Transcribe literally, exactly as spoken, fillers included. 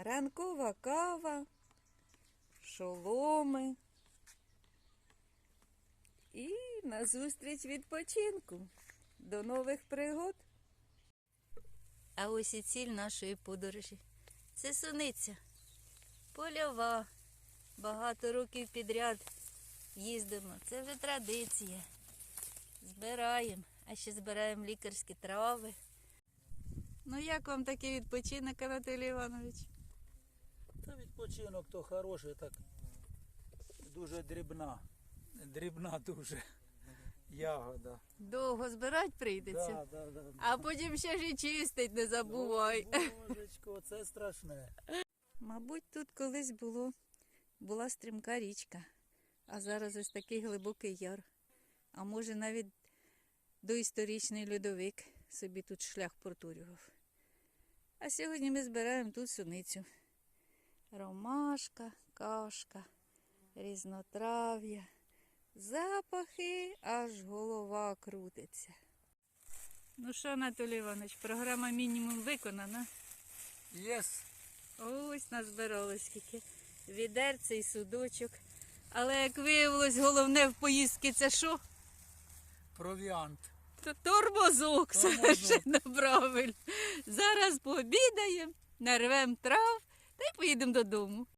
ранкова кава, шоломи і назустріч відпочинку. До нових пригод. А ось і ціль нашої подорожі. Це суниця. Польова. Багато років підряд їздимо. Це вже традиція. Збираємо. А ще збираємо лікарські трави. Ну як вам такий відпочинок, Анатолій Іванович? Та відпочинок то хороший, так дуже дрібна. Дрібна дуже ягода. Довго збирати прийдеться. Да, да, да. А потім ще ж і чистить, не забувай. Божечко, це страшне. Мабуть, тут колись було, була стрімка річка, а зараз ось такий глибокий яр. А може навіть доісторичний льодовик собі тут шлях протурював. А сьогодні ми збираємо тут суницю. Ромашка, кашка, різнотрав'я, запахи, аж голова крутиться. Ну що, Анатолій Іванович, програма мінімум виконана. Єс. Ось назбирали скільки. Відерце і судочок. Але, як виявилось, головне в поїздці це що? Провіант. Т- Тормозок, Тормозок. совершенно правильно. Зараз пообідаємо, нарвемо трав та й поїдемо додому.